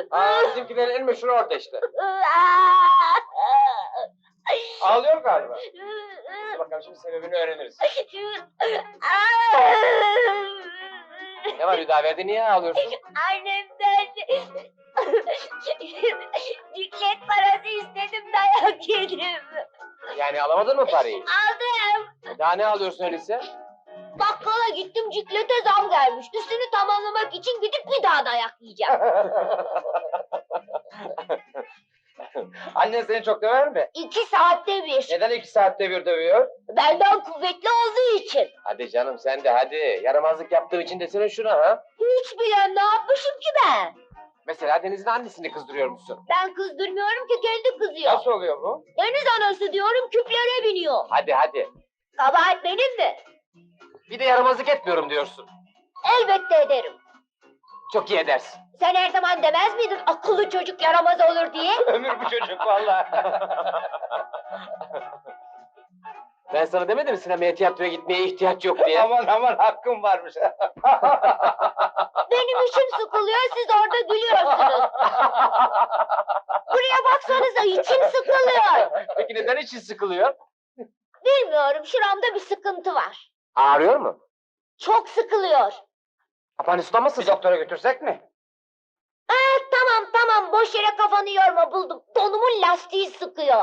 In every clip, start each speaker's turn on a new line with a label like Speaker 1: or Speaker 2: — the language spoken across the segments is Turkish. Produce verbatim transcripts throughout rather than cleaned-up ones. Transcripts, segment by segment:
Speaker 1: Aa, bizimkilerin en meşhur orada işte. Ağlıyor galiba. Dur bakalım şimdi sebebini öğreniriz. Ne var Hüdaverdi, niye ağlıyorsun?
Speaker 2: Annemden ciklet parası istedim, dayak yedim.
Speaker 1: Yani alamadın mı parayı?
Speaker 2: Aldım.
Speaker 1: Daha ne alıyorsun öyleyse?
Speaker 2: Bakkala gittim, ciklete zam gelmiş. Üstünü tamamlamak için gidip bir daha dayak yiyeceğim.
Speaker 1: Annen seni çok döver mi?
Speaker 2: İki saatte bir.
Speaker 1: Neden iki saatte bir dövüyor?
Speaker 2: Benden kuvvetli olduğu için.
Speaker 1: Hadi canım sen de hadi. Yaramazlık yaptığım için desene şuna ha.
Speaker 2: Hiç bilen, ne yapmışım ki ben?
Speaker 1: Mesela Deniz'in annesini kızdırıyormuşsun.
Speaker 2: Ben kızdırmıyorum ki, kendi kızıyor.
Speaker 1: Nasıl oluyor bu?
Speaker 2: Deniz anası diyorum, küplere biniyor.
Speaker 1: Hadi hadi.
Speaker 2: Kabahat benim mi?
Speaker 1: Bir de yaramazlık etmiyorum diyorsun.
Speaker 2: Elbette ederim.
Speaker 1: Çok iyi edersin.
Speaker 2: Sen her zaman demez miydin akıllı çocuk yaramaz olur diye?
Speaker 1: Ömür bu çocuk vallahi. Ben sana demedim mi sinemaya, tiyatroya gitmeye ihtiyaç yok diye? Aman aman, hakkım varmış.
Speaker 2: Benim içim sıkılıyor, siz orada gülüyorsunuz. Buraya baksanıza, içim sıkılıyor.
Speaker 1: Peki neden için sıkılıyor?
Speaker 2: Bilmiyorum, şuramda bir sıkıntı var.
Speaker 1: Ağrıyor mu?
Speaker 2: Çok sıkılıyor.
Speaker 1: Apanüs'ten mısın? Bir doktora götürsek mi?
Speaker 2: Ee, tamam tamam, boş yere kafanı yorma, buldum. Donumun lastiği sıkıyor.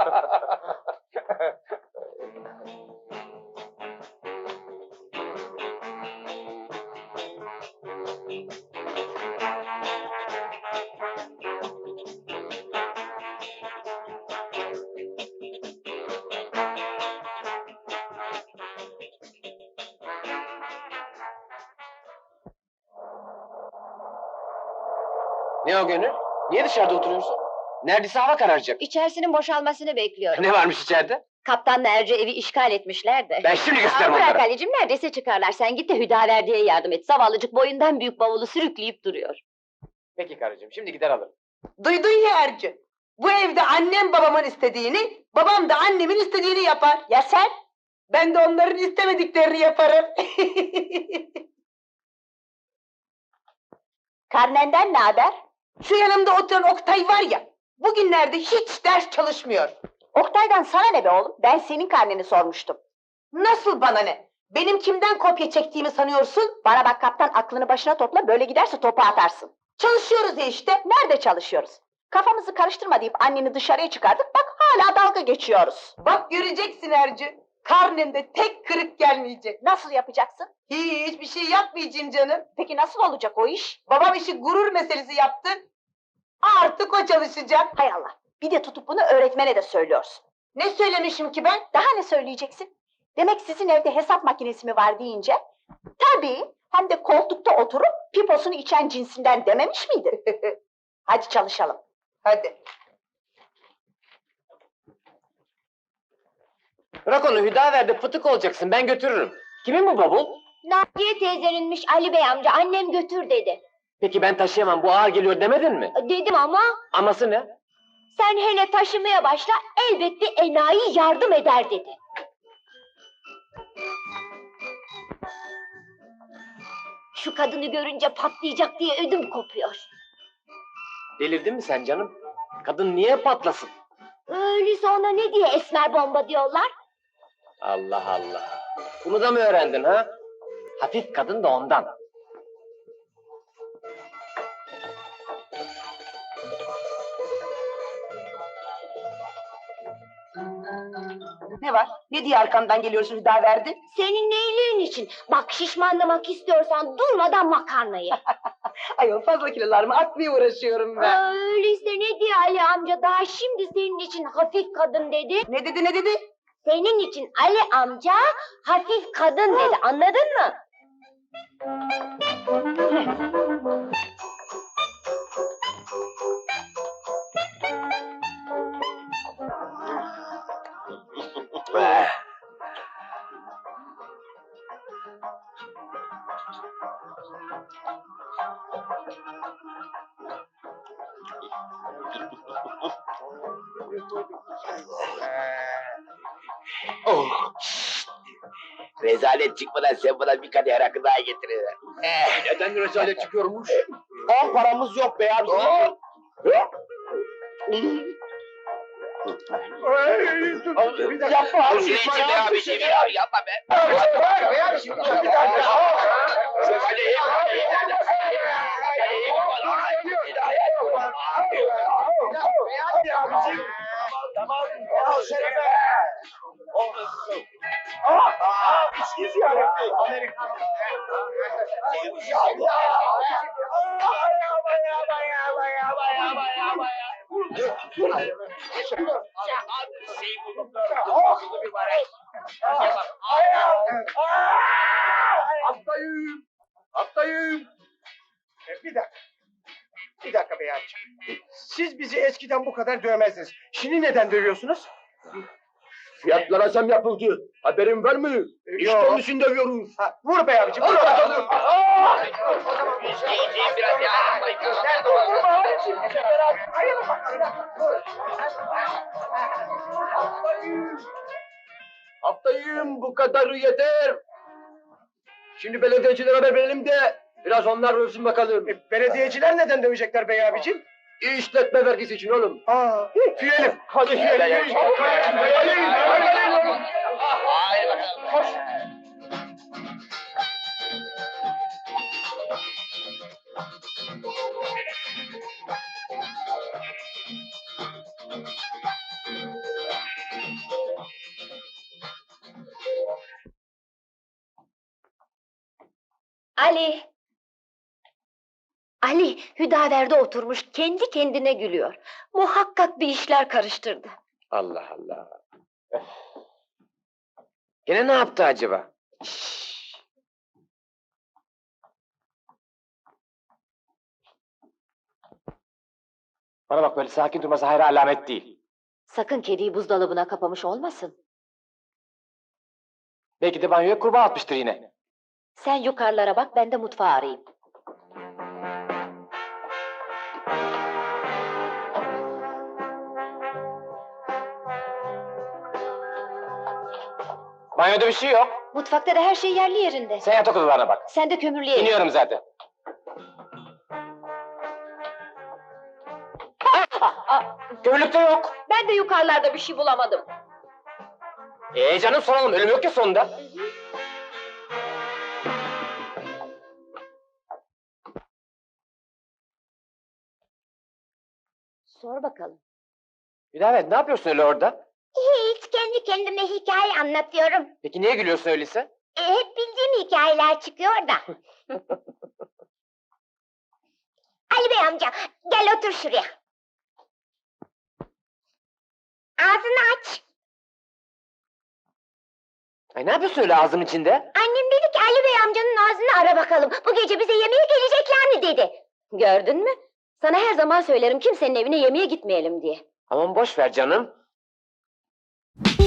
Speaker 1: Ne o Gönül? Niye dışarıda oturuyorsun? Neredeyse hava kararacak.
Speaker 2: İçerisinin boşalmasını bekliyorum.
Speaker 1: Ne varmış içeride?
Speaker 2: Kaptanla Erci evi işgal etmişler de.
Speaker 1: Ben şimdi gösteririm
Speaker 2: Aa, bırak
Speaker 1: onlara.
Speaker 2: Ali'cim, neredeyse çıkarlar. Sen git de Hüdaverdi'ye yardım et. Zavallıcık boyundan büyük bavulu sürükleyip duruyor.
Speaker 1: Peki karıcığım, şimdi gider alırım.
Speaker 3: Duydun ya Ercü. Bu evde annem babamın istediğini, babam da annemin istediğini yapar. Ya sen? Ben de onların istemediklerini yaparım.
Speaker 2: Karnenden ne haber?
Speaker 3: Şu yanımda oturan Oktay var ya, bugünlerde hiç ders çalışmıyor.
Speaker 2: Oktay'dan sana ne be oğlum? Ben senin karneni sormuştum.
Speaker 3: Nasıl bana ne? Benim kimden kopya çektiğimi sanıyorsun?
Speaker 2: Bana bak kaptan, aklını başına topla, böyle giderse topu atarsın.
Speaker 3: Çalışıyoruz ya işte.
Speaker 2: Nerede çalışıyoruz? Kafamızı karıştırma deyip anneni dışarıya çıkardık, bak hala dalga geçiyoruz.
Speaker 3: Bak göreceksin Ercü. Karnemde tek kırık gelmeyecek.
Speaker 2: Nasıl yapacaksın?
Speaker 3: Hiçbir şey yapmayacağım canım.
Speaker 2: Peki nasıl olacak o iş?
Speaker 3: Babam işi gurur meselesi yaptı. Artık o çalışacak.
Speaker 2: Hay Allah, bir de tutup bunu öğretmene de söylüyorsun.
Speaker 3: Ne söylemişim ki ben?
Speaker 2: Daha ne söyleyeceksin? Demek sizin evde hesap makinesi mi var deyince, tabii, hem de koltukta oturup piposunu içen cinsinden dememiş miydin? Hadi çalışalım.
Speaker 3: Hadi.
Speaker 1: Bırak onu Hüdaverdi, fıtık olacaksın, ben götürürüm. Kimin bu bavul?
Speaker 2: Naciye teyzeninmiş Ali Bey amca, annem götür dedi.
Speaker 1: Peki ben taşıyamam, bu ağır geliyor demedin mi?
Speaker 2: Dedim ama,
Speaker 1: Aması ne?
Speaker 2: sen hele taşımaya başla, elbet bir enayi yardım eder dedi. Şu kadını görünce patlayacak diye ödüm kopuyor.
Speaker 1: Delirdin mi sen canım? Kadın niye patlasın?
Speaker 2: Öyleyse ona ne diye esmer bomba diyorlar?
Speaker 1: Allah Allah. Bunu da mı öğrendin ha? Hafif kadın da ondan.
Speaker 3: Ne var? Ne diye arkamdan geliyorsun Hüdaverdi?
Speaker 2: Senin iyiliğin için. Bak, şişmanlamak istiyorsan durmadan makarnayı.
Speaker 3: Ayol, fazla kilolarımı atmaya uğraşıyorum ben.
Speaker 2: Öyleyse ne diye Ali amca daha şimdi senin için hafif kadın dedi?
Speaker 3: Ne dedi ne dedi?
Speaker 2: Senin için Ali amca hafif kadın dedi, anladın mı?
Speaker 4: Oh! Şşt! Rezalet çıkmadan sen bana bir kadeh rakı daha getirin. Eh,
Speaker 1: Neden rezalet çıkıyormuş? On paramız yok be abi. Yapma abi.
Speaker 4: Dur Şirin'cim be abi, şey be abi, yapma be.
Speaker 5: Hastayım. Hastayım. E, bir dakika. Bir dakika bey abiciğim. Siz bizi eskiden bu kadar dövmezdiniz. Şimdi neden dövüyorsunuz?
Speaker 1: Fiyatlara zam yapıldı. Haberin var mı? İşte
Speaker 5: Yok.
Speaker 1: onun için dövüyoruz.
Speaker 5: Ha, vur bey abiciğim. Vur bakalım.
Speaker 4: Şey biraz ya.
Speaker 1: Haftayım bu kadarı yeter. Şimdi belediyecilere haber verelim de biraz onlar ölsün bakalım.
Speaker 5: E, belediyeciler neden dövecekler bey abiciğim?
Speaker 1: İşletme vergisi için oğlum.
Speaker 5: Aa, tüyelim. Hadi tüyelim.
Speaker 4: Haydi bakalım.
Speaker 5: Koş.
Speaker 6: Ali. Ali, Hüdaver'de oturmuş kendi kendine gülüyor. Muhakkak bir işler karıştırdı.
Speaker 1: Allah Allah. Gene ne yaptı acaba? Bana bak, böyle sakin durması hayra alamet değil.
Speaker 6: Sakın kediyi buzdolabına kapamış olmasın.
Speaker 1: Belki de banyoya kurbağa atmıştır yine.
Speaker 6: Sen yukarılara bak, ben de mutfağı arayayım.
Speaker 1: Banyoda bir şey yok.
Speaker 6: Mutfakta da her şey yerli yerinde.
Speaker 1: Sen yatak odalarına bak.
Speaker 6: Sen de kömürlüğe in.
Speaker 1: İniyorum zaten. Kömürlükte yok.
Speaker 6: Ben de yukarılarda bir şey bulamadım.
Speaker 1: Ee canım, soralım, ölüm yok ya sonunda.
Speaker 6: Sor bakalım.
Speaker 1: Hüdavet, ne yapıyorsun öyle orada?
Speaker 7: Hiç, kendi kendime hikaye anlatıyorum.
Speaker 1: Peki niye gülüyorsun öyleyse?
Speaker 7: E, hep bildiğim hikayeler çıkıyor da. Ali Bey amca, gel otur şuraya. Ağzını aç.
Speaker 1: Ay ne yapıyorsun öyle ağzının içinde?
Speaker 7: Annem dedi ki Ali Bey amcanın ağzını ara bakalım. Bu gece bize yemeğe gelecekler mi dedi.
Speaker 6: Gördün mü? Sana her zaman söylerim kimsenin evine yemeğe gitmeyelim diye.
Speaker 1: Aman boş ver canım.